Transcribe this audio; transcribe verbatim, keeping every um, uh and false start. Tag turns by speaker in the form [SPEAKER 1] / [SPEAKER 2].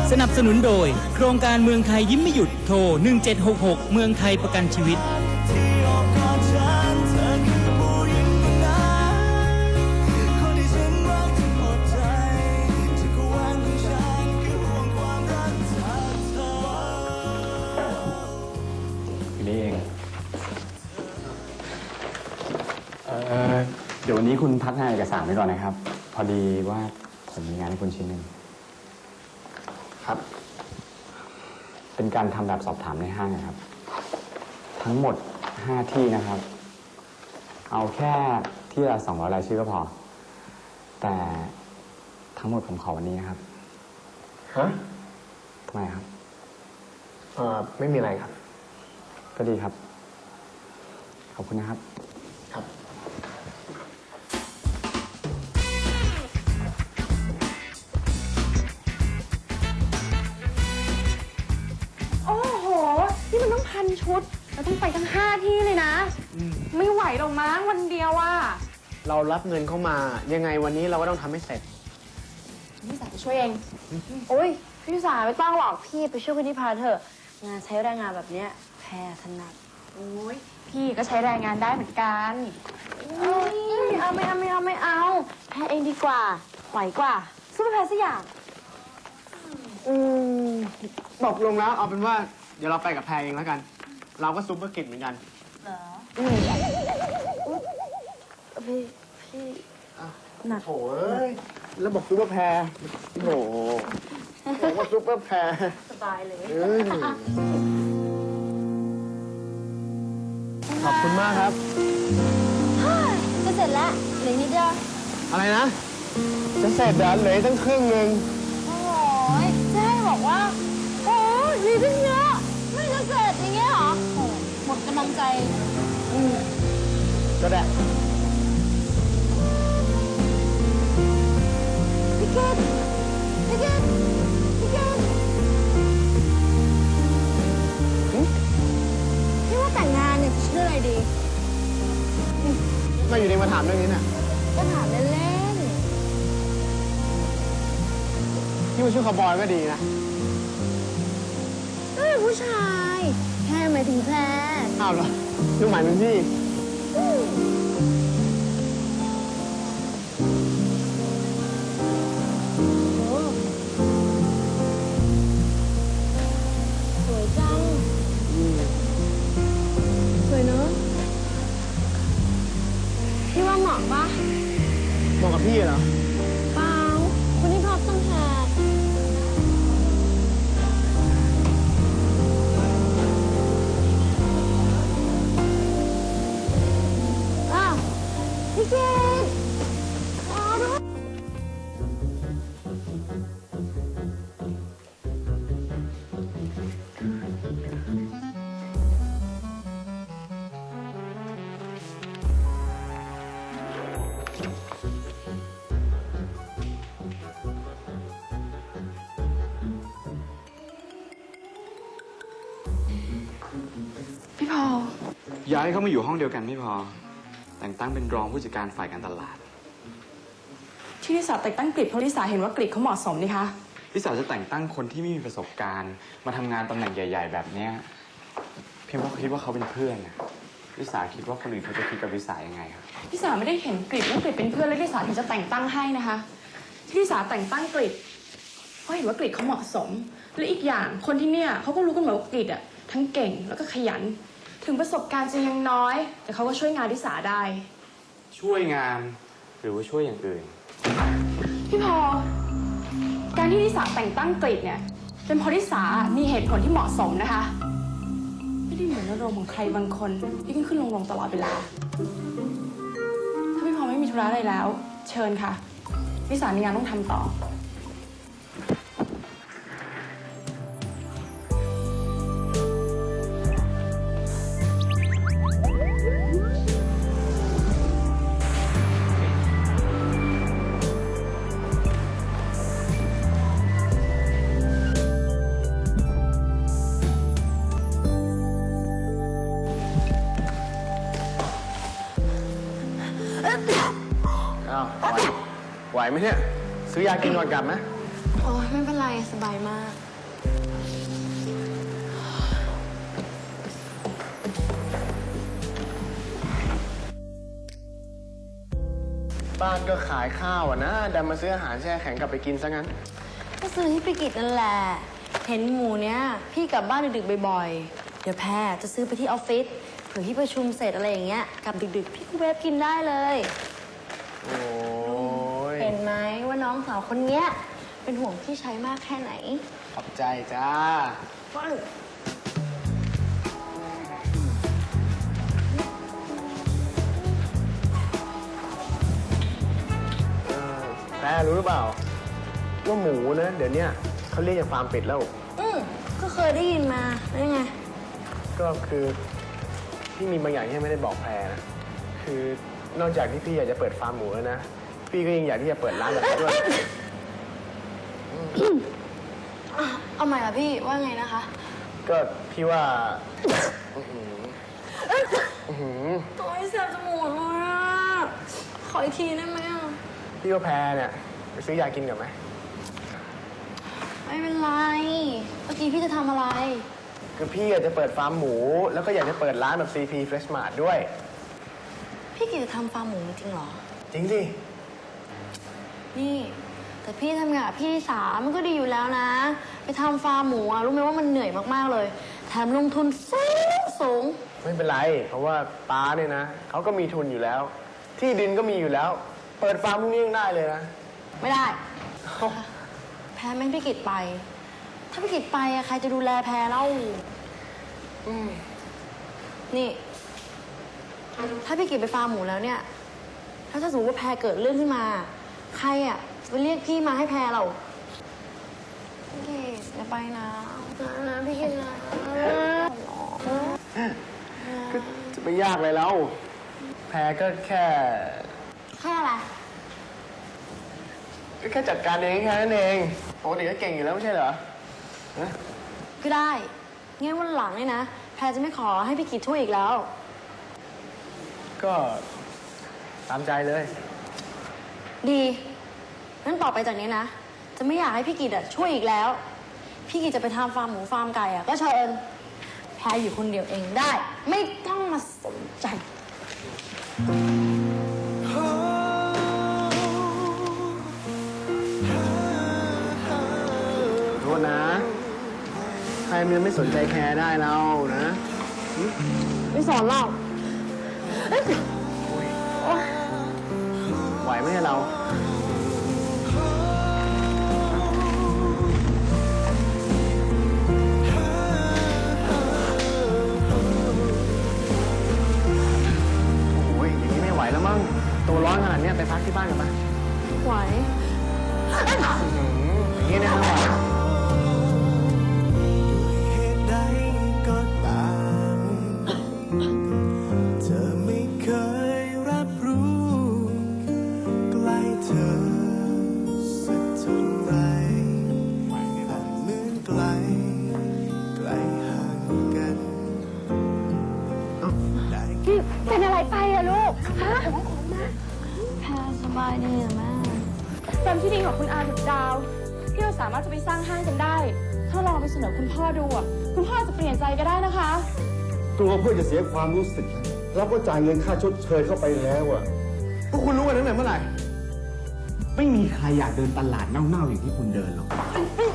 [SPEAKER 1] สนับสนุนโดยโครงการเมืองไทยยิ้มไม่หยุดโทรหนึ่งเจ็ดหกหกเมืองไทยประกันชีวิต
[SPEAKER 2] นี่เองเอ่อเดี๋ยววันนี้คุณพักงานเอกสารไว้ก่อนนะครับ พอดีว่าผมมีงานให้คุณชิ้นหนึ่งครับ เป็นการทำแบบสอบถามในห้างนะครับ ทั้งหมดห้าที่นะครับ เอาแค่ที่ละสองร้อยรายชื่อก็พอ แต่ทั้งหมดผมขอวันนี้นะครับ
[SPEAKER 3] ฮะ
[SPEAKER 2] ทำไมครับ
[SPEAKER 3] เอ่อไม่มีอะไรครับ
[SPEAKER 2] ก็ดีครับ ขอบคุณนะครับ
[SPEAKER 3] ครับ
[SPEAKER 4] โอ้โห นี่มันต้องพันชุด เราต้องไปทั้งห้าที่เลยนะ ไม่ไหวหรอกมั้งวันเดียวอ่ะ
[SPEAKER 3] เรารับเงินเข้ามา ยังไงวันนี้เราก็ต้องทำให้เสร็จ
[SPEAKER 4] พี่สาวจะช่วยเอง โอ้ยพี่สาวไม่ต้องหรอก พี่ไปช่วยคนที่พาเถอะ งานใช้แรงงานแบบเนี้ยแพรถนัด โอ้ยพี่ก็ใช้แรงงานได้เหมือนกันเอ้ยไม่เอาไม่เอาไม่เอาไม่เอา แพรเองดีกว่าไหวกว่าสู้ไม่แพ้สักอย่าง
[SPEAKER 3] อืมตกลงแล้วเอาเป็นว่าเดี๋ยวเราไปกับแพรเองแล้วกัน เราก็ซุปเปอร์กิจเหมือนกัน
[SPEAKER 4] เหรออืมพี่พี่หนัก
[SPEAKER 3] โอ้ยแล้วบอกซุปเปอร์แพรโอ้โหบอกว่าซุปเปอร์แพร
[SPEAKER 4] สบายเลย
[SPEAKER 3] เอ้ยขอบคุณมากครับ
[SPEAKER 4] จะเสร็จแล้วเหลือนิดเดียว
[SPEAKER 3] อะไรนะ จะเสร็จเดี๋ยวเหลืออกตั้งครึ่งหนึ่ง
[SPEAKER 4] โอ้ยจะให้บอกว่า โอ้ยมีตั้งเยอะไม่จะเสร็จอย่างเงี้ยเหรอโอ้หมดกำลังใจ
[SPEAKER 3] อืมก็ได้
[SPEAKER 4] พี่เกดพี่เกดพี่เกดพี่ว่าแต่งงานเนี่ยจะชื่ออะไรดี
[SPEAKER 3] มาอยู่ดีมาถามเรื่องนี้น่ะ
[SPEAKER 4] ก็ถามเล่น
[SPEAKER 3] ที่มาช่วยคาวบอยก็ดีนะ
[SPEAKER 4] ๆก็เป็นผู้ชายแค่หมายถึงแพร
[SPEAKER 3] อ้าวเหรอลูกหมายเป็นพี่
[SPEAKER 4] อืมโอ้สวยจัง สวยเนอะพี่ว่าเหมาะปะ
[SPEAKER 3] เหมาะกับพี่เหรอ
[SPEAKER 4] เปล่าคุณนี่ท็อปต้องแหกอ้าวพี่เกดอ๋อด้วย พี่พอล
[SPEAKER 2] ย้ายเขามาอยู่ห้องเดียวกันไม่พอ แต่งตั้งเป็นรองผู้จัดการฝ่ายการตลาด
[SPEAKER 5] ที่ลิสาแต่งตั้งกฤษเพราะลิสาเห็นว่ากฤษเขาเหมาะสมนี่คะ
[SPEAKER 2] พี่สาวจะแต่งตั้งคนที่ไม่มีประสบการณ์ มาทำงานตำแหน่งใหญ่ ๆ แบบเนี้ยเพียงเพราะคิดว่าเขาเป็นเพื่อนนะลิสาคิดว่าคนอื่นเขาจะคิดกับลิสายังไงครับ
[SPEAKER 5] ลิสาไม่ได้เห็นกฤษว่ากฤษเป็นเพื่อนแล้วลิสาถึงจะแต่งตั้งให้นะคะ ที่ลิสาแต่งตั้งกฤษเพราะเห็นว่ากฤษเขาเหมาะสม และอีกอย่างคนที่เนี่ยเขาก็รู้กันหมดว่ากฤษอะทั้งเก่งแล้วก็ขยัน ถึงประสบการณ์จะยังน้อย แต่เขาก็ช่วยงานลิสาได้
[SPEAKER 2] ช่วยงานหรือว่าช่วยอย่างอื่น
[SPEAKER 5] พี่พอการที่ลิสาแต่งตั้งกฤษเนี่ยเป็นเพราะลิสามีเหตุผลที่เหมาะสมนะคะ ไม่ได้เหมือนอารมณ์ของใครบางคนที่ขึ้นขึ้นลงลงตลอดเวลา ถ้าพี่พอไม่มีธุระอะไรแล้ว เชิญค่ะลิสามีงานต้องทำต่อ
[SPEAKER 3] อ้าวไหวไหวไหมเนี่ย ซื้อยากินก่อนกลับไหม
[SPEAKER 4] โอ้อ้ยไม่เป็นไรสบายมาก
[SPEAKER 3] บ้านก็ขายข้าวอ่ะนะดันมาซื้ออาหารแช่แข็งกลับไปกินซะงั้น
[SPEAKER 4] ก็ซื้อที่ไปกิจนั่นแหละ เห็นหมูเนี้ยพี่กลับบ้านดึกๆบ่อยๆ เดี๋ยวแพรจะซื้อไปที่ออฟฟิศเผื่อพี่ประชุมเสร็จอะไรอย่างเงี้ยกลับดึกๆ พี่ก็เวฟกินได้เลย
[SPEAKER 3] โอ้ย
[SPEAKER 4] เห็นไหมว่าน้องสาวคนเนี้ยเป็นห่วงพี่ใช้มากแค่ไหน
[SPEAKER 3] ขอบใจจ้า
[SPEAKER 4] ว้าว
[SPEAKER 3] แม่รู้หรือเปล่า ว่าหมูนะเดี๋ยวเนี้ยเขาเรียกจากฟาร์มปิดแล้ว
[SPEAKER 4] อืมก็เคยได้ยินมาแล้วยังไง
[SPEAKER 3] ก็คือพี่มีบางอย่างที่ไม่ได้บอกแพรนะ คือนอกจากที่พี่อยากจะเปิดฟาร์มหมูแล้วนะ พี่ก็ยังอยากที่จะเปิดร้านแบบนี้ด้วย
[SPEAKER 4] อ่ะเอาใหม่ละพี่ว่าไงนะคะ
[SPEAKER 3] ก็พี่ว่าอื้อหืออื้อหือ
[SPEAKER 4] โอ้ยแสบจมูกเลยอ่ะ ขออีกทีได้ไหมอ่ะ
[SPEAKER 3] พี่ว่าแพรเนี่ยไปซื้อยากินกันไหม
[SPEAKER 4] ไม่เป็นไร เมื่อกี้พี่จะทำอะไร
[SPEAKER 3] คือพี่อยากจะเปิดฟาร์มหมู แล้วก็อยากจะเปิดร้านแบบ ซี พี Fresh Mart ด้วย
[SPEAKER 4] พี่กิจจะทำฟาร์มหมูจริงเหรอ
[SPEAKER 3] จริงสิ
[SPEAKER 4] นี่ แต่พี่ทำงานกับพี่สามันก็ดีอยู่แล้วนะ ไปทำฟาร์มหมูอะรู้ไหมว่ามันเหนื่อยมากๆเลย แถมลงทุนสูงสูง
[SPEAKER 3] ไม่เป็นไร เพราะว่าป้าเนี่ยนะเขาก็มีทุนอยู่แล้ว ที่ดินก็มีอยู่แล้ว เปิดฟาร์มพวกนี้ยังได้เลยนะ
[SPEAKER 4] ไม่ได้ แพ้ไม่ให้พี่กิจไป ถ้าพี่กิจไปอะใครจะดูแลแพ้เล่านี่ ถ้าพี่กิจไปฟาร์มหมูแล้วเนี่ย ถ้าถ้าสมมติว่าแพรเกิดเรื่องขึ้นมา ใครอะจะไปเรียกพี่มาให้แพรเราพี่กิจอย่าไปนะนะพี่กิจนะ
[SPEAKER 3] ก็จะไม่ยากเลยแล้ว แพรก็แค่
[SPEAKER 4] แค่อะไร
[SPEAKER 3] ก็แค่จัดการเองแค่นั้นเองปกติก็เก่งอยู่แล้วไม่ใช่เหรอฮะ
[SPEAKER 4] ก็ได้งั้นวันหลังเนี่ยนะ แพรจะไม่ขอให้พี่กิจช่วยอีกแล้ว
[SPEAKER 3] ก็ตามใจเลย
[SPEAKER 4] ดีงั้นต่อไปจากนี้นะ จะไม่อยากให้พี่กิจอะช่วยอีกแล้ว พี่กิจจะไปทำฟาร์มหมูฟาร์มไก่อะก็เชิญแพรอยู่คนเดียวเองได้ ไม่ต้องมาสนใจ
[SPEAKER 3] โทษนะ ใครมันไม่สนใจแคร์ได้แล้วนะ
[SPEAKER 4] ไม่สอนหรอก
[SPEAKER 3] ไหวไหมเรา โอ้ยอย่างนี้ไม่ไหวแล้วมั้ง ตัวร้อนขนาดเนี้ยไปพักที่บ้านกันปะ
[SPEAKER 4] ไหว
[SPEAKER 3] อย่างนี้นะไม่ไหว
[SPEAKER 6] เหตุใดก็ตามเธอไม่เคยรับรู้ใกล้เธอสักเท่าไรแต่เหมือนไกลไกลห่างกันได้
[SPEAKER 4] พี่เป็นอะไรไปอะลูก ฮะแพรสบายดีอะแม่
[SPEAKER 5] แฟมที่ดีของคุณอาดุดดาวที่เราสามารถจะไปสร้างห้างกันได้ ถ้าลองไปเสนอคุณพ่อดูอ่ะคุณพ่อจะเปลี่ยนใจก็ได้นะคะ
[SPEAKER 7] ตัวเพื่อจะเสียความรู้สึกเราก็จ่ายเงินค่าชดเชยเข้าไปแล้วอะ
[SPEAKER 3] พวกคุณรู้กันตั้งแต่เมื่อไหร่
[SPEAKER 2] ไม่มีใครอยากเดินตลาดเน่าๆอย่างที่คุณเดินหรอก
[SPEAKER 4] อื